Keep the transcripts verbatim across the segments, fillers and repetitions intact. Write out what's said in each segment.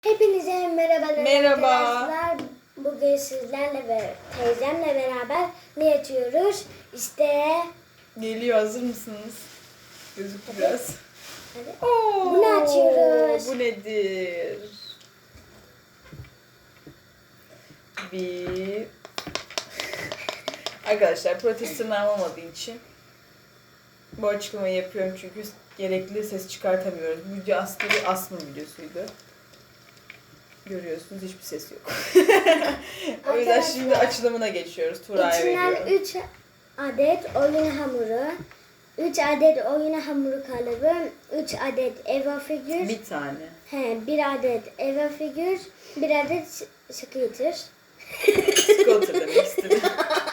Hepinize merhabalar Merhaba. arkadaşlar. Bugün sizlerle ve teyzemle beraber ne yapıyoruz? İşte Geliyor, hazır mısınız? Gözüktü biraz. hadi. Oo, Bunu açıyoruz. Bu nedir? Bir... Arkadaşlar protez tırnağım olmadığı için bu açıklamayı yapıyorum çünkü gerekli ses çıkartamıyoruz. Bu video aslında bir asma videosuydu. Görüyorsunuz, hiçbir ses yok. O yüzden Arkadaşlar, şimdi açılımına geçiyoruz. Tura'ya İçinden veriyorum. üç adet oyun hamuru, üç adet oyun hamuru kalıbı, üç adet Eva figür, Bir tane. he, bir adet Eva figür, bir adet scooter. Scooter demek istedim.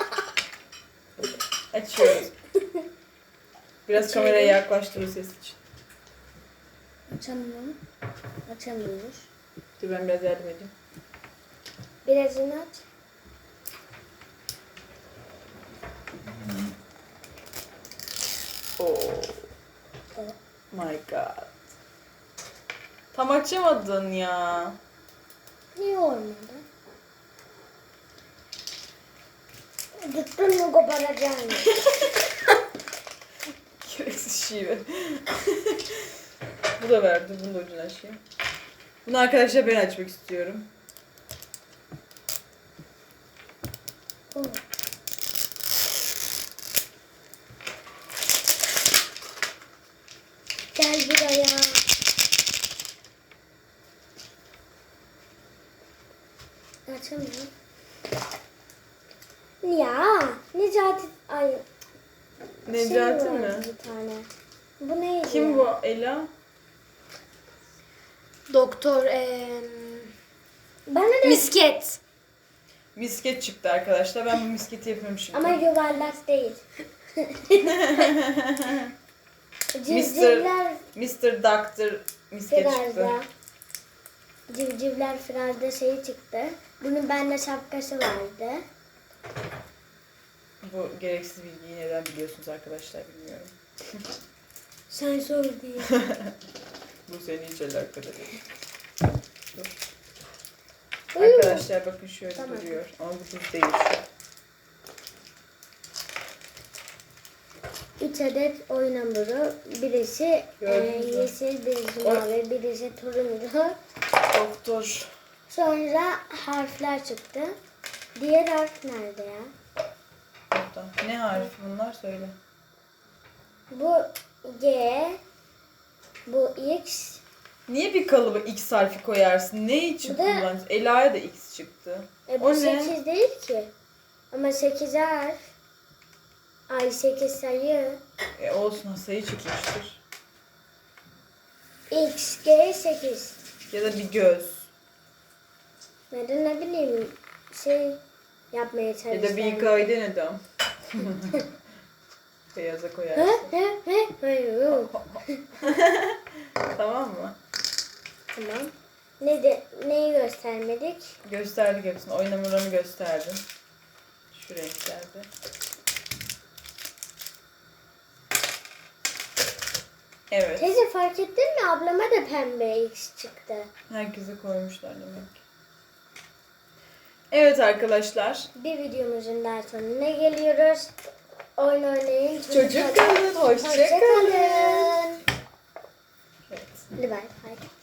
Açıyoruz. Biraz Açıyorum. kameraya yaklaştırır ses için. Açamıyorum. Açamıyoruz. Dur ben biraz yardım edeyim. Birazını aç. Oh my god. Tam açamadın ya. Niye olmadı? Tuttun mu koparacaksın? Gereksiz şive. Bu da verdi. Bunu da ucunu açayım. Bunu arkadaşlar ben açmak istiyorum. Oh. Gel buraya. Açamıyorum. Ya Necati ay Necati şey mi? vardı bir tane. Bu neydi? Kim ya? bu Ela? Doktor eee Bana da misket. Misket çıktı arkadaşlar. Ben bu misketi yapıyorum şimdi. ama yuvarlak değil. Mister Civcivler Mister Doctor misket çıktı. firarda. Civcivler firarda şey çıktı. Bunun bende şapkası vardı. Bu gereksiz bilgiyi neden biliyorsunuz arkadaşlar bilmiyorum. Sen sor diye. Bu seni hiç alakadar değil. Dur. Arkadaşlar bakın şöyle Tamam. duruyor. Ama bu düz değil şu. Üç adet oyun hamuru. Birisi e, Gördünüz mü? yeşil, birisi Oy. mavi, birisi turuncu. Doktor. Sonra harfler çıktı. Diğer harf nerede ya? Burada. Ne harfi bunlar söyle. Bu G, bu X, Niye bir kalıba X harfi koyarsın? Ne için Bu da- kullanıyorsun? Ela'ya da X çıktı. e, bu O ne? sekiz değil ki. Ama sekiz harf. Ay sekiz sayı. E olsun, sayı çıkmıştır. X, G, sekiz. Ya da bir göz. Neden ne bileyim şey yapmaya çalıştım. Ya da bir hikayeden adam. Beyaza Hı koyarsın. hı hı. Hayır. Tamam mı? Tamam. Ne de, neyi göstermedik? Gösterdik hepsini. Oyun hamurlarını gösterdim. Şu renklerde. Evet. Teyze fark ettin mi? Ablama da pembe X çıktı. Herkese koymuşlar demek ki. Evet arkadaşlar. Bir videomuzun daha sonuna geliyoruz. Oyun oynayın. Çocuk kalın. Hoşça Hoşça kalın. kalın. Evet. Hadi bay bay.